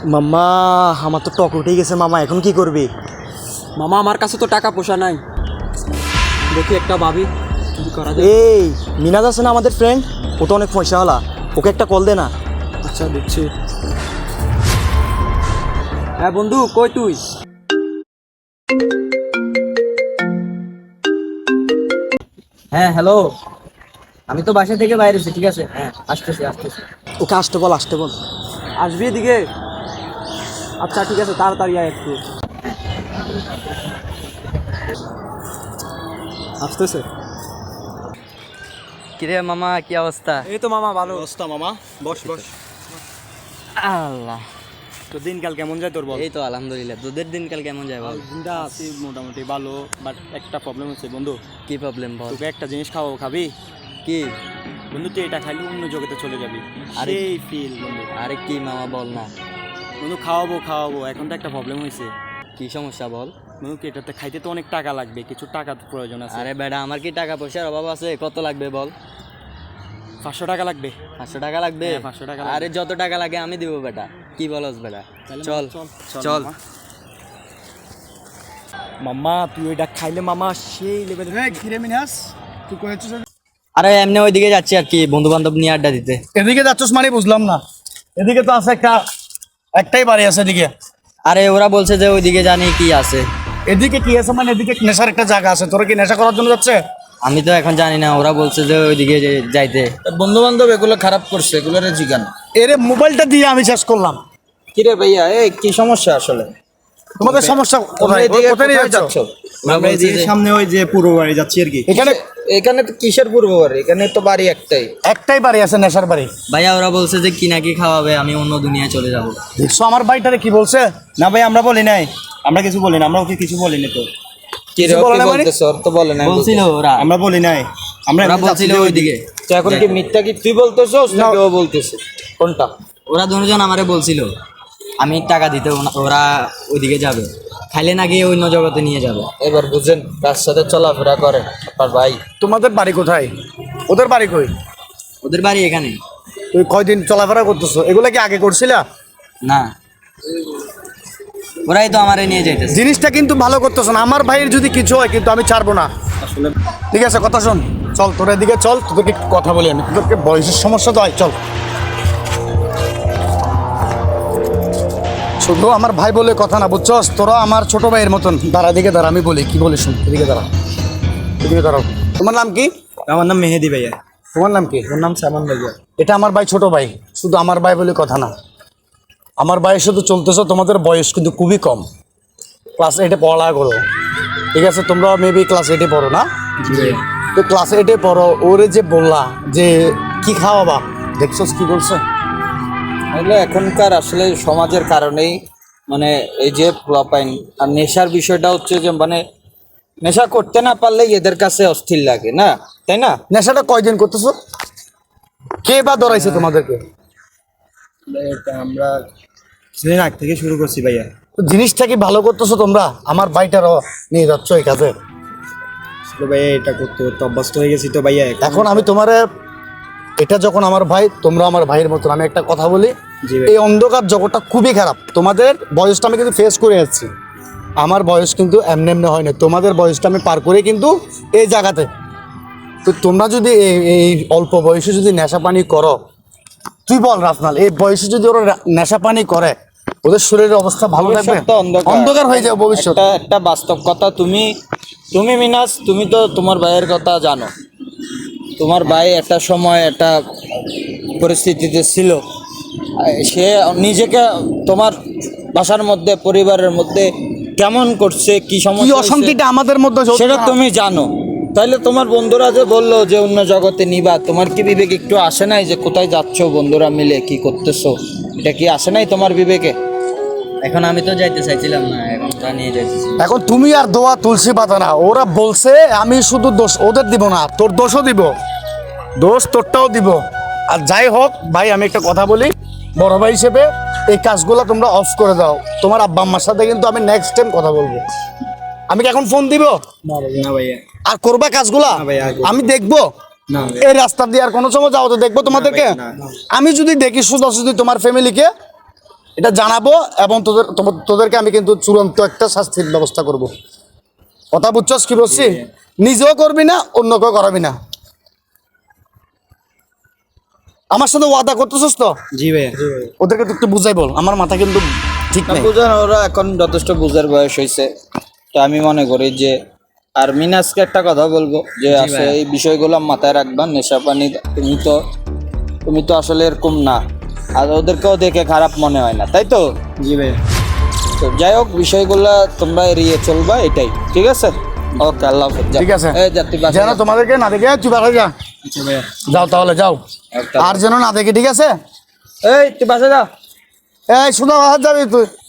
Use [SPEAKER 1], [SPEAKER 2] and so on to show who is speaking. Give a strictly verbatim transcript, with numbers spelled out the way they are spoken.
[SPEAKER 1] মাম্মা আমার তো টক উঠে গেছে মামা, এখন কি করবি?
[SPEAKER 2] মামা আমার কাছে তো টাকা পয়সা নাই, দেখি একটা ভাবি কি করা যায়।
[SPEAKER 1] এই মিনাজ আছে না আমাদের ফ্রেন্ড, ও তো অনেক পয়সাওয়ালা, ওকে একটা কল দে না।
[SPEAKER 2] আচ্ছা দেখছি। হ্যাঁ বন্ধু, কই তুই?
[SPEAKER 3] হ্যাঁ হ্যালো, আমি তো বাসা থেকে বাইরে আছি। ঠিক আছে, হ্যাঁ আসতেছি আসতেছি।
[SPEAKER 1] ওকে আসতে বল, আসতে বল।
[SPEAKER 2] আসবি এদিকে? আচ্ছা ঠিক আছে, তাড়াতাড়ি আয় একটু। আসতেছে।
[SPEAKER 3] কিরে মামা, কি অবস্থা?
[SPEAKER 2] এই তো মামা ভালো।
[SPEAKER 1] অবস্থা মামা, বস বস।
[SPEAKER 3] আল্লাহ,
[SPEAKER 1] তো দিনকাল কেমন যায় তোর বল?
[SPEAKER 3] এই তো আলহামদুলিল্লাহ। তোদের দিনকাল কেমন যায় বল?
[SPEAKER 1] দিনটা আছি মোটামুটি ভালো, বাট একটা প্রবলেম হচ্ছে বন্ধু।
[SPEAKER 3] কি প্রবলেম বল?
[SPEAKER 1] তোকে একটা জিনিস খাওয়াবো, খাবি?
[SPEAKER 3] কি
[SPEAKER 1] বন্ধু তুই এটা খাইলে অন্য জগতে চলে যাবি,
[SPEAKER 3] আরে-
[SPEAKER 1] সেই ফিল বন্ধু।
[SPEAKER 3] আরে কি মামা বল না,
[SPEAKER 1] বন্ধু খাওয়াবো খাওয়াবো, এখন তো একটা প্রবলেম হয়েছে
[SPEAKER 3] কি সমস্যা বল?
[SPEAKER 1] বন্ধু। কি এটাতে খাইতে তো অনেক টাকা লাগবে, কিছু টাকা তো প্রয়োজন আছে।
[SPEAKER 3] আরে বেটা, আমার কি টাকা পয়সার অভাব আছে? কত লাগবে বল?
[SPEAKER 1] পাঁচশো টাকা লাগবে।
[SPEAKER 3] পাঁচশো টাকা লাগবে?
[SPEAKER 1] হ্যাঁ, পাঁচশো টাকা লাগবে।
[SPEAKER 3] আরে যত টাকা লাগে আমি দিব বেটা, কি বলস বেটা?
[SPEAKER 1] তাহলে
[SPEAKER 3] চল
[SPEAKER 1] চল
[SPEAKER 3] চল।
[SPEAKER 1] মাম্মা তুই ওইটা খাইলে মামা সেই লেভেলে।
[SPEAKER 4] ঘিরে মিনাস তুই কয়েছিস
[SPEAKER 3] আরে এমনি ওইদিকে যাচ্ছি আর কি, বন্ধু বান্ধব নিয়ে আড্ডা দিতে।
[SPEAKER 4] এদিকে যাচ্ছিস মানে বুঝলাম না। এদিকে তো আছে একটা, একটাই বাড়ি আছে এদিকে।
[SPEAKER 3] আরে ওরা বলছে যে ওইদিকে জানি কি আছে।
[SPEAKER 4] এদিকে কি আছে মানে এদিকে নেশার একটা জায়গা আছে, তোরা কি নেশা করার জন্য যাচ্ছে?
[SPEAKER 3] আমি তো এখন জানি না, ওরা বলছে যে ওইদিকে যে- যাইতে।
[SPEAKER 5] বন্ধু বান্ধব এগুলো খারাপ করছে, এগুলোর জিগান।
[SPEAKER 4] এরে মোবাইলটা দিয়ে আমি শেষ করলাম।
[SPEAKER 5] কিরে ভাইয়া, এই কি সমস্যা আসলে?
[SPEAKER 4] তোমাদের সমস্যা কোথায়?
[SPEAKER 5] এদিকে
[SPEAKER 4] কোথায় নিয়ে
[SPEAKER 5] কোথায়
[SPEAKER 4] যাচ্ছ?
[SPEAKER 5] যাচ্ছ?
[SPEAKER 3] ওরা বলছে যে-
[SPEAKER 1] সামনে ওই যে পূর্ব বাড়ি যাচ্ছি আর কি।
[SPEAKER 4] এখানে
[SPEAKER 5] এখানে তো কিসের পূর্ব বাড়ি? এখানে তো বাড়ি একটাই।
[SPEAKER 4] একটাই বাড়ি আছে, নেশার বাড়ি।
[SPEAKER 3] ভাইয়া ওরা বলছে যে কি নাকি খাওয়াবে, আমি অন্য দুনিয়ায় চলে যাব।
[SPEAKER 4] দেখছো আমার বাড়িটারে কি বলছে?
[SPEAKER 1] না ভাই আমরা বলি নাই, আমরা কিছু বলি না, আমরা ওকে কিছু বলিনি তো।
[SPEAKER 5] কি রে,
[SPEAKER 4] কিছু বলে
[SPEAKER 5] কি
[SPEAKER 4] না মানে?
[SPEAKER 5] বলতেছ? ওর তো বলে না।
[SPEAKER 3] বলছিল ওরা,
[SPEAKER 1] আমরা বলি নাই, আমরা
[SPEAKER 3] ওরা
[SPEAKER 1] এমনি যাচ্ছি
[SPEAKER 3] বলছিল
[SPEAKER 1] যে
[SPEAKER 3] ওইদিকে।
[SPEAKER 5] তো এখন কি মিথ্যা কি তুই বলতেছস নাকি ও বলতেছে? কোনটা?
[SPEAKER 3] ওরা দুজন আমারে বলছিল আমি টাকা দিতে, ওনা- ওরা ওইদিকে যাবে, খাইলে নাকি অন্য জগতে নিয়ে যাবে।
[SPEAKER 5] এবার বুঝেন, তার সাথে চলাফেরা করে আপনার ভাই।
[SPEAKER 4] তোমাদের বাড়ি কোথায়? ওদের বাড়ি কই?
[SPEAKER 3] ওদের বাড়ি এখানে।
[SPEAKER 4] তুই কয়দিন চলাফেরা করতেছো? এগুলা কি আগে করছিলা?
[SPEAKER 3] না, ওরাই তো আমারে নিয়ে যাইতেছে।
[SPEAKER 4] জিনিসটা কিন্তু ভালো করতেছো না। আমার ভাইয়ের যদি কিছু হয় কিন্তু আমি ছাড়বো না। ঠিক আছে, কথা শোন, চল তোর এদিকে চল, তোদেরকে একটু কথা বলি আমি। তোদেরকে বয়সের সমস্যা তো হয়, চল। শুধু আমার ভাই বলে কথা না, বুঝছস? তোরা আমার ছোট ভাইয়ের মতন। দাঁড়া, দিকে দাঁড়া, আমি বলি কি বলি শুন। এদিকে দাঁড়া, এদিকে দাঁড়াও। তোমার নাম কি?
[SPEAKER 1] আমার নাম মেহেদি ভাইয়া।
[SPEAKER 4] তোমার নাম কি?
[SPEAKER 1] ওর নাম সামান ভাইয়া।
[SPEAKER 4] এটা আমার ভাই, ছোট ভাই। শুধু আমার ভাই বলে কথা না, আমার ভাইয়ের সাথে চলতেছো। তোমাদের বয়স কিন্তু খুবই কম, ক্লাস এইটে পড়ালেখা করো। ঠিক আছে, তোমরা মেবি ক্লাস এইটে পড়ো না? তো ক্লাস এইটে পড়ো। ওরে যে বললা যে কি খাওয়াবা, দেখছোস কি বলছে?
[SPEAKER 5] এগুলো এখনকার আসলে সমাজের কারণেই, মানে এই যে ফ্লপাইন আর নেশার বিষয়টা হচ্ছে যে মানে নেশা করতে না পারলে এদের কাছে অস্থির লাগে না, তাই না?
[SPEAKER 4] নেশাটা কয়দিন করতেছো? কে বা ধরাইছে তোমাদেরকে?
[SPEAKER 1] আমরা কিছুদিন আগ থেকে শুরু করছি ভাইয়া।
[SPEAKER 4] তো জিনিসটা কি ভালো করতেছো তোমরা? আমার ভাইটারও নিয়ে যাচ্ছ এই কাজে।
[SPEAKER 1] আসলে ভাইয়া এটা করতে করতে অভ্যস্ত হয়ে গেছি তো ভাইয়া।
[SPEAKER 4] এখন আমি তোমারে, এটা যখন আমার ভাই, তোমরা আমার ভাইয়ের মতন। আমি একটা কথা বলি,
[SPEAKER 1] জি ভাই।
[SPEAKER 4] এই অন্ধকার জগৎটা খুবই খারাপ। তোমাদের বয়সটা আমি কিন্তু ফেস করে যাচ্ছি। আমার বয়স কিন্তু এমনি এমনি হয় না, তোমাদের বয়সটা আমি পার করে কিন্তু এই জায়গাতে। তো তোমরা যদি এই এই অল্প বয়সে যদি নেশা পানি করো, তুই বল রাফনাল, এই বয়সে যদি ওরা রা- নেশা পানি করে, ওদের শরীরের অবস্থা ভালো থাকবে?
[SPEAKER 5] ভবিষ্যৎ তো অন্ধকার।
[SPEAKER 4] অন্ধকার হয়ে যাবে ভবিষ্যৎ।
[SPEAKER 5] একটা একটা বাস্তব কথা, তুমি তুমি মিনাস, তুমি তো তোমার ভাইয়ের কথা জানো। তোমার ভাই একটা সময় একটা পরিস্থিতিতে ছিল, সে নিজেকে তোমার বাসার মধ্যে, পরিবারের মধ্যে কেমন করছে, কি
[SPEAKER 4] কি
[SPEAKER 5] সমস্যা হয়েছে,
[SPEAKER 4] অশান্তিটা আমাদের মধ্যে হচ্ছে
[SPEAKER 5] সেটা
[SPEAKER 4] না?
[SPEAKER 5] তুমি জানো। তাইলে তোমার বন্ধুরা যে বললো যে অন্য জগতে নিবা, তোমার কি বিবেক একটু আসে নাই যে কোথায় যাচ্ছ বন্ধুরা মিলে, কি করতেছো? এটা কি আসে নাই তোমার বিবেকে?
[SPEAKER 3] এখন আমি তো যাইতে চাইছিলাম না, এখন তা নিয়ে যাইতেছি।
[SPEAKER 4] এখন তুমি আর দোয়া তুলসী পাতা না। ওরা বলছে, আমি শুধু দোষ ওদের দিব না, তোর দোষও দিব, দোষ তোরটাও দিব। আর যাই হোক ভাই, আমি একটা কথা বলি, বড় ভাই হিসেবে এই কাজগুলো তোমরা অফ করে দাও। তোমার আব্বা আম্মার সাথে কিন্তু আমি নেক্সট টাইম কথা বলবো। আমি কি এখন ফোন দিব?
[SPEAKER 1] না ভাইয়া।
[SPEAKER 4] আর করবা কাজগুলা?
[SPEAKER 1] না ভাই, আর করবো।
[SPEAKER 4] আমি দেখবো
[SPEAKER 1] না
[SPEAKER 4] এই রাস্তা দিয়ে আর কোনো সময় যাও তো দেখবো তোমাদেরকে।
[SPEAKER 1] না, না।
[SPEAKER 4] আমি যদি দেখি শুধু শুধু তোমার ফ্যামিলিকে, এটা জানাবো এবং তোদের তোদের- তোদেরকে আমি কিন্তু চূড়ান্ত একটা শাস্তির ব্যবস্থা করব। কথা বুঝছস কি বলছি? নিজেও করবি না, অন্যকেও করাবি না। আমার সাথে ওয়াদা করতেছস তো?
[SPEAKER 3] জি ভাইয়া।
[SPEAKER 4] ওদেরকে তো একটু বুঝাই বল, আমার মাথা কিন্তু ঠিক
[SPEAKER 5] না
[SPEAKER 4] নেই।
[SPEAKER 5] বুঝেন, ওরা এখন যথেষ্ট বুঝার বয়স হয়েছে। তো আমি মনে করি যে, আর মিনাজকে একটা কথা বলবো যে আসলে এই বিষয়গুলো মাথায় রাখবা। নেশা পানি তুমি তো তুমি তো আসলে এরকম না, আর ওদেরকেও দেখে খারাপ মনে হয় না, তাই তো?
[SPEAKER 3] জি ভাইয়া।
[SPEAKER 5] তো যাই হোক, বিষয়গুলো তোমরা এড়িয়ে চলবা, এটাই ঠিক আছে। ওকে, আল্লাহ হাফেজ। যা।
[SPEAKER 4] ঠিক আছে,
[SPEAKER 5] এই যা, তুই বাসায়
[SPEAKER 4] যেন
[SPEAKER 5] যা।
[SPEAKER 4] তোমাদেরকে না দেখে তুই বাসায় যা।
[SPEAKER 3] আচ্ছা ভাইয়া।
[SPEAKER 4] যাও তাহলে যাও,
[SPEAKER 5] একটা-
[SPEAKER 4] আর যেন না দেখে, ঠিক আছে?
[SPEAKER 5] এই তুই বাসায় যা।
[SPEAKER 4] এই শুধু বাসায় যাবি তুই।